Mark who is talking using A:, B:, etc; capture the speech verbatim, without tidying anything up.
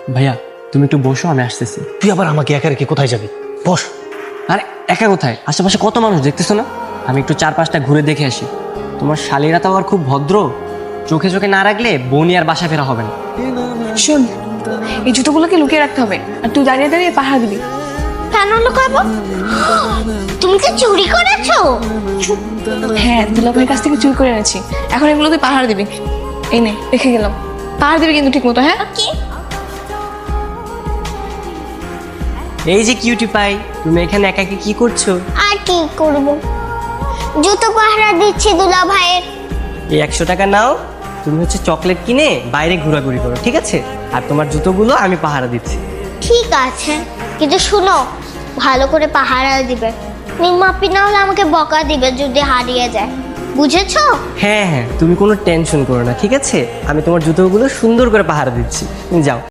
A: ভাইয়া তুমি একটু বসো, আমি আসতেছি।
B: তুই আবার আমাকে একা রেখে কোথায় যাবি? বস।
A: আরে একা কোথায়, আশেপাশে কত মানুষ দেখতেছো না? আমি একটু চার পাঁচটা ঘুরে দেখে আসি। তোমার শালীরা তো আবার খুব ভদ্র, চোখে চোখে না রাখলে বৌনি আর বাসা ফেরা হবে না।
C: শোন, এই জুতোগুলোকে লুকিয়ে রাখতে হবে, আর তুই দাঁড়িয়ে দাঁড়িয়ে পাহারা দিবি।
D: কেন লুকাবো? তুমি কি চুরি করেছো?
C: হ্যাঁ, দুলাভাইয়ের কাছ থেকে চুরি করে এনেছি। এখন এগুলো তুই পাহারা দিবি। এই নে, রেখে গেলাম, পাহারা দিবি কিন্তু ঠিক মতো। হ্যাঁ,
D: কি?
A: এই যে কিউটি পাই, তুমি এখানে একা একা কি করছো?
D: আর কি করব, জুতো পাহারা দিচ্ছি দুলা ভাইয়ের।
A: এই একশো টাকা নাও, তুমি হচ্ছে চকলেট কিনে বাইরে ঘোরাঘুরি করো, ঠিক আছে? আর তোমার জুতোগুলো আমি পাহারা দিচ্ছি।
D: ঠিক আছে, কিন্তু শুনো, ভালো করে পাহারা দিবে। নিমাপি না হলে আমাকে বকা দিবে যদি হারিয়ে যায়, বুঝেছো?
A: হ্যাঁ হ্যাঁ, তুমি কোনো টেনশন করো না, ঠিক আছে? আমি তোমার জুতোগুলো সুন্দর করে পাহারা দিচ্ছি, তুমি যাও।